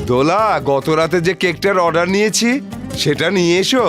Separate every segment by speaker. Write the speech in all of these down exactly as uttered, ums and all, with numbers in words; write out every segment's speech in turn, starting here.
Speaker 1: দোলা, গত রাতে যে কেকটার অর্ডার নিয়েছি সেটা নিয়ে এসো।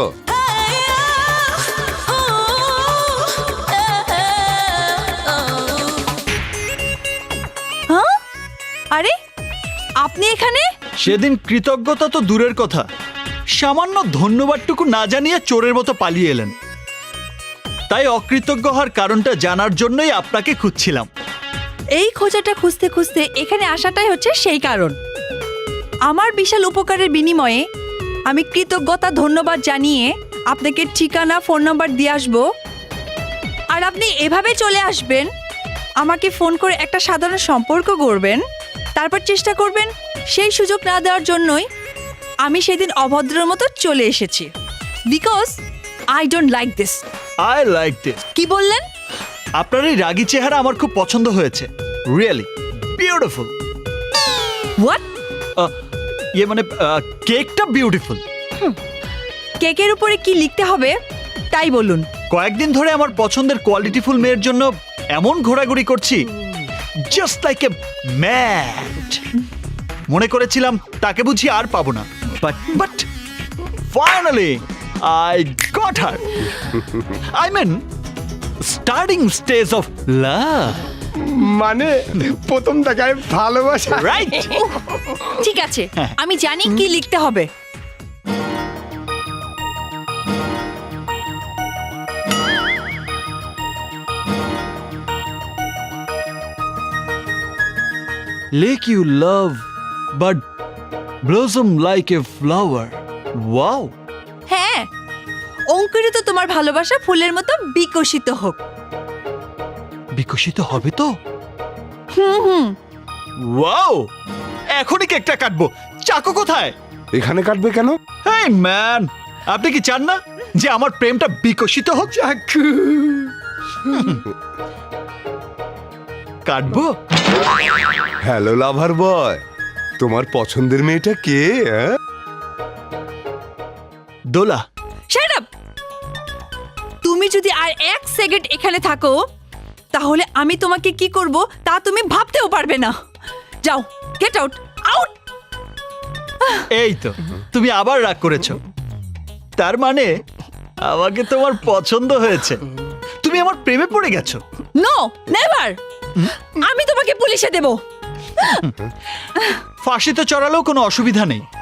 Speaker 2: হ্যাঁ? আরে আপনি এখানে?
Speaker 3: সেদিন কৃতজ্ঞতা তো দূরের কথা, সামান্য ধন্যবাদটুকু না জানিয়ে চোরের মতো পালিয়ে এলেন। তাই অকৃতজ্ঞ হওয়ার কারণটা জানার জন্যই আপনাকে খুঁজছিলাম।
Speaker 2: এই খোঁজাটা খুঁজতে খুঁজতে এখানে আসাটাই হচ্ছে সেই কারণ। আমার বিশাল উপকারের বিনিময়ে আমি কৃতজ্ঞতা ধন্যবাদ জানিয়ে আপনাকে ঠিকানা ফোন নাম্বার দিয়ে আসবো, আর আপনি এভাবে চলে আসবেন, আমাকে ফোন করে একটা সাধারণ সম্পর্ক গড়বেন, তারপর চেষ্টা করবেন সেই সুযোগ না দেওয়ার জন্যই আমি সেদিন অভদ্রের মতো চলে এসেছি। Because I don't like this.
Speaker 3: I like this.
Speaker 2: কি বললেন?
Speaker 3: আপনার এই রাগী চেহারা আমার খুব পছন্দ হয়েছে। Really beautiful.
Speaker 2: হোয়াট?
Speaker 3: ইয়ে মানে আহ, কেকটা বিউটিফুল।
Speaker 2: কেকের উপরে কি লিখতে হবে তাই বলুন।
Speaker 3: কয়েকদিন ধরে আমার পছন্দের কোয়ালিটিফুল মেয়ের জন্য এমন ঘোরাঘুরি করছি, জাস্ট লাইক এ ম্যাড। মনে করেছিলাম তাকে বুঝি আর পাবো না, but but finally I got her. I mean starting stage of love.
Speaker 1: মানে প্রথম দেখায় ভালোবাসা,
Speaker 3: রাইট?
Speaker 2: ঠিক আছে, আমি জানি কি লিখতে হবে।
Speaker 3: Lake you love, but blossom like a flower. Wow!
Speaker 2: হ্যাঁ, অঙ্কুরিত তোমার ভালোবাসা ফুলের মতো বিকশিত হোক।
Speaker 3: বিকশিত হবে তো?
Speaker 2: হুম হুম।
Speaker 3: ওয়াও! এখনই কেকটা কাটবো। চাকু কোথায়?
Speaker 1: এখানে কাটবে কেন?
Speaker 3: হেই ম্যান, আপনি কি চান না যে আমার প্রেমটা বিকশিত হোক?
Speaker 1: চাকু।
Speaker 3: কাটবো?
Speaker 1: হ্যালো লাভার বয়, তোমার পছন্দের মেয়েটা কে? হ্যাঁ?
Speaker 3: দোলা।
Speaker 2: Shut up! তুমি যদি আর এক সেকেন্ড এখানে থাকো তাহলে আমি তোমাকে কি করব তা তুমি ভাবতেও পারবে না। যাও, গেট আউট, আউট!
Speaker 3: এই তো, তুমি আবার রাগ করেছো। তার মানে আমাকে তোমার পছন্দ হয়েছে, তুমি আমার প্রেমে পড়ে গেছো।
Speaker 2: No, never! আমি তোমাকে পুলিশে দেব।
Speaker 3: ফাঁসিতে চড়ালেও কোনো অসুবিধা নেই।